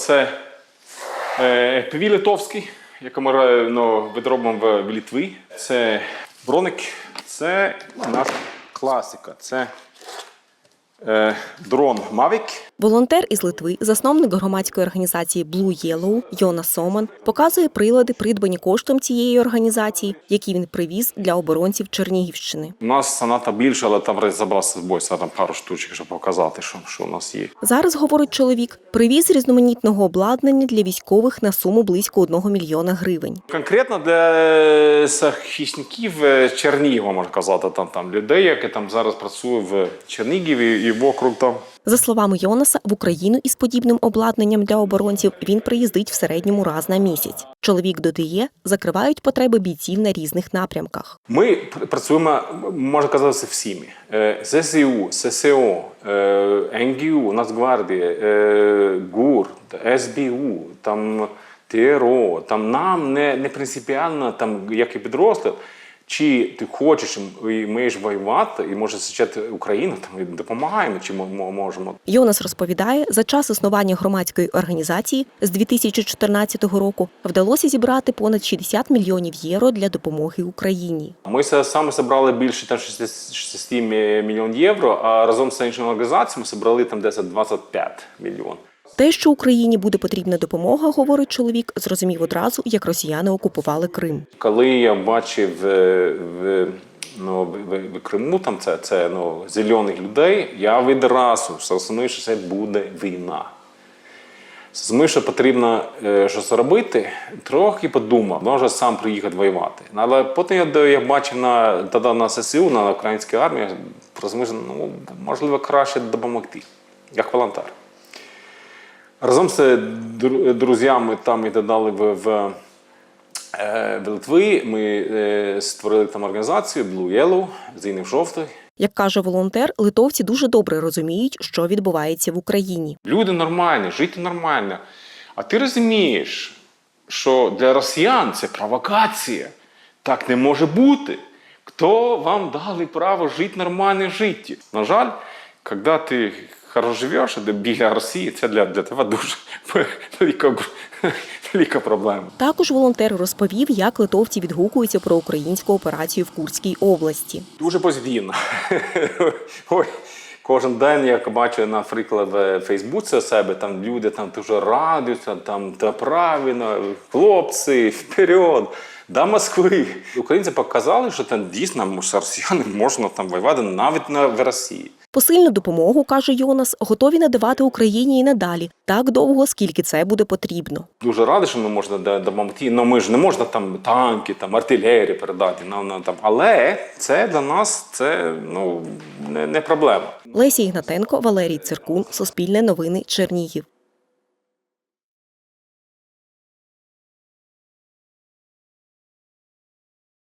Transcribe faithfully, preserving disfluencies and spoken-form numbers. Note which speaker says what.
Speaker 1: це еф пі ві литовський, який ми ну, відробимо в Литві. Це броник, це наша класика. Це е, дрон Mavic.
Speaker 2: Волонтер із Литви, засновник громадської організації Blue Yellow Йонас Соман, показує прилади, придбані коштом цієї організації, які він привіз для оборонців Чернігівщини.
Speaker 1: У нас саната більше, але там забрався з собою там пару штучок, щоб показати, що, що у нас є.
Speaker 2: Зараз, говорить чоловік, привіз різноманітного обладнання для військових на суму близько одного мільйона гривень.
Speaker 1: Конкретно для захисників Чернігова, можна казати, там, там людей, які там зараз працюють в Чернігові і вокруг там.
Speaker 2: За словами Йонаса, в Україну із подібним обладнанням для оборонців він приїздить в середньому раз на місяць. Чоловік додає, закривають потреби бійців на різних напрямках.
Speaker 1: Ми працюємо, можна казати, всіми. зе ес ю, ес ес о, ен ге у, Нацгвардія, ГУР, ес бе у, там те ер о. Там нам не, не принципіально, там, як і підрозділ, чи ти хочеш і маєш воювати, і може захищати Україну, там, і допомагаємо, чи можемо.
Speaker 2: Йонас розповідає, за час існування громадської організації з дві тисячі чотирнадцятого року вдалося зібрати понад шістдесят мільйонів євро для допомоги Україні.
Speaker 1: Ми саме зібрали більше там, шістдесят мільйонів євро, а разом з іншими організаціями зібрали там десь двадцять п'ять мільйонів.
Speaker 2: Те, що Україні буде потрібна допомога, говорить чоловік, зрозумів одразу, як росіяни окупували Крим.
Speaker 1: Коли я бачив в, в, ну, в, в Криму там це, це ну, зелених людей, я відразу зрозумів, що це буде війна. Зрозумів, що потрібно щось робити, трохи подумав, може сам приїхати воювати. Але потім я, я бачив на, тоді на ес ес ю, на українській армії, розумів, що ну, можливо краще допомогти, як волонтер. Разом з друзями там і додали в, в, в Литві, ми створили там організацію Blue Yellow, зелений жовтий.
Speaker 2: Як каже волонтер, литовці дуже добре розуміють, що відбувається в Україні.
Speaker 1: Люди нормальні, жити нормально. А ти розумієш, що для росіян це провокація. Так не може бути. Хто вам дали право жити нормальне життя? На жаль, коли ти хорошо живеш біля Росії, це для, для тебе дуже велика, велика проблема.
Speaker 2: Також волонтер розповів, як литовці відгукуються про українську операцію в Курській області.
Speaker 1: Дуже позитивно. Ой, кожен день, як бачу, наприклад, в Фейсбуці у себе, там люди там дуже радуються, там, та правильно, хлопці, вперед, до Москви. Українці показали, що там дійсно з росіянами можна там воювати навіть на, в Росії.
Speaker 2: Посильну допомогу, каже Йонас, готові надавати Україні і надалі, так довго, скільки це буде потрібно.
Speaker 1: Дуже радий, що ми можемо допомогти, але ми ж не можемо там танки, там артилерію передати, нам, нам, там. Але це для нас це, ну, не, не проблема.
Speaker 2: Леся Ігнатенко, Валерій Циркун, Суспільне новини, Чернігів.